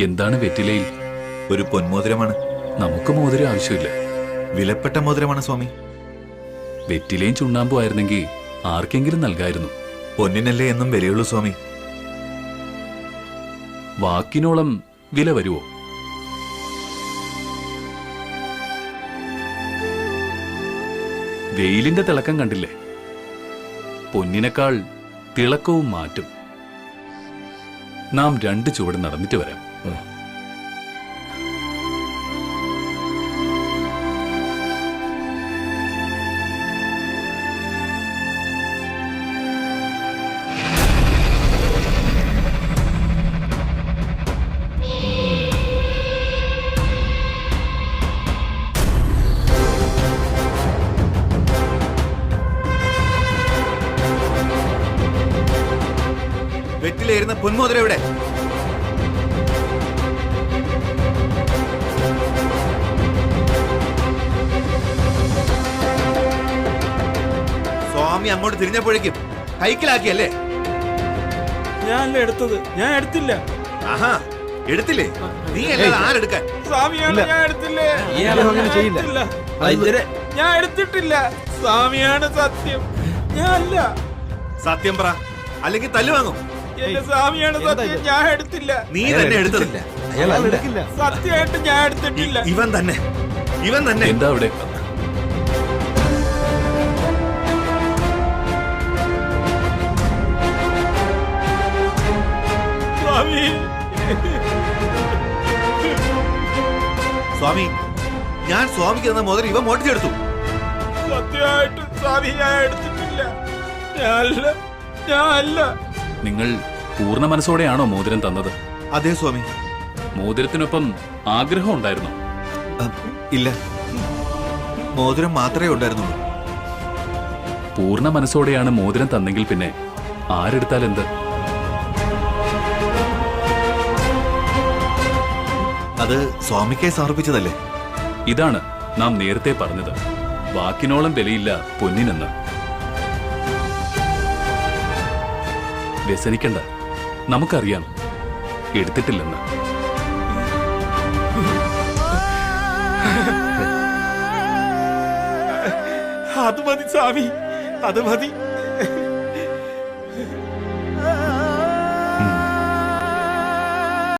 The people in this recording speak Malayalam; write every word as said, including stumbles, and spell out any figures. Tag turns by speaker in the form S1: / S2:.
S1: എന്താണ് വെറ്റിലയിൽ?
S2: ഒരു പൊന്മോതിരമാണ്.
S1: നമുക്ക് മോതിരം ആവശ്യമില്ല.
S2: വിലപ്പെട്ട മോതിരമാണ് സ്വാമി.
S1: വെറ്റിലയും ചുണ്ണാമ്പും ആയിരുന്നെങ്കിൽ ആർക്കെങ്കിലും നൽകായിരുന്നു.
S2: പൊന്നിനല്ലേ എന്നും വിലയുള്ളൂ സ്വാമി.
S1: വാക്കിനോളം വില വരുവോ? വെയിലിന്റെ തിളക്കം കണ്ടില്ലേ? പൊന്നിനേക്കാൾ തിളക്കവും മാറ്റും. നാം രണ്ട് ചുവട് നടന്നിട്ട് വരാം.
S2: വെറ്റിലേരുന്ന പൊന്മോതിരം എവിടെ? സ്വാമി അങ്ങോട്ട് തിരിഞ്ഞപ്പോഴേക്കും കൈക്കലാക്കിയല്ലേ?
S3: ഞാനല്ല എടുത്തത്. ഞാൻ എടുത്തില്ല.
S2: ആഹാ, എടുത്തില്ലേ? നീ അല്ലാതെ ആരെടുക്കാൻ?
S3: സ്വാമിയാണ്. ഞാൻ എടുത്തില്ലേ. ഞാൻ എടുത്തിട്ടില്ല. സ്വാമിയാണ് സത്യം. ഞാൻ അല്ല.
S2: സത്യം പറ, അല്ലെങ്കിൽ തല്ലു വാങ്ങും.
S3: എന്റെ സ്വാമിയാണ് സത്യം. ഞാൻ എടുത്തില്ല.
S2: നീ തന്നെ എടുത്തില്ല.
S3: സത്യമായിട്ട് ഞാൻ എടുത്തിട്ടില്ല.
S2: ഇവൻ തന്നെ, ഇവൻ തന്നെ.
S1: എന്താ അവിടെ?
S3: സ്വാമി,
S2: സ്വാമി, ഞാൻ സ്വാമിക്ക് തന്ന മോതിരം ഇവൻ മോട്ടിച്ചെടുത്തു.
S3: സത്യമായിട്ട് സ്വാമി ഞാൻ എടുത്തിട്ടില്ല. ഞാനല്ല. ഞാൻ അല്ല.
S1: നിങ്ങൾ പൂർണ്ണ മനസ്സോടെയാണോ മോതിരം തന്നത്?
S2: അതെ സ്വാമി.
S1: മോതിരത്തിനൊപ്പം ആഗ്രഹം ഉണ്ടായിരുന്നു?
S2: ഇല്ല, മോതിരം മാത്രമേ ഉണ്ടായിരുന്നുള്ളൂ.
S1: പൂർണ്ണ മനസ്സോടെയാണ് മോതിരം തന്നെങ്കിൽ പിന്നെ ആരെടുത്താൽ എന്ത്?
S2: അത് സ്വാമിക്കായി സമർപ്പിച്ചതല്ലേ?
S1: ഇതാണ് നാം നേരത്തെ പറഞ്ഞത്, വാക്കിനോളം വിലയില്ല പൊന്നിനെന്ന്. വ്യസനിക്കണ്ട, നമുക്കറിയാം എടുത്തിട്ടില്ലെന്ന്.
S3: അത് മതി സ്വാമി, അത് മതി.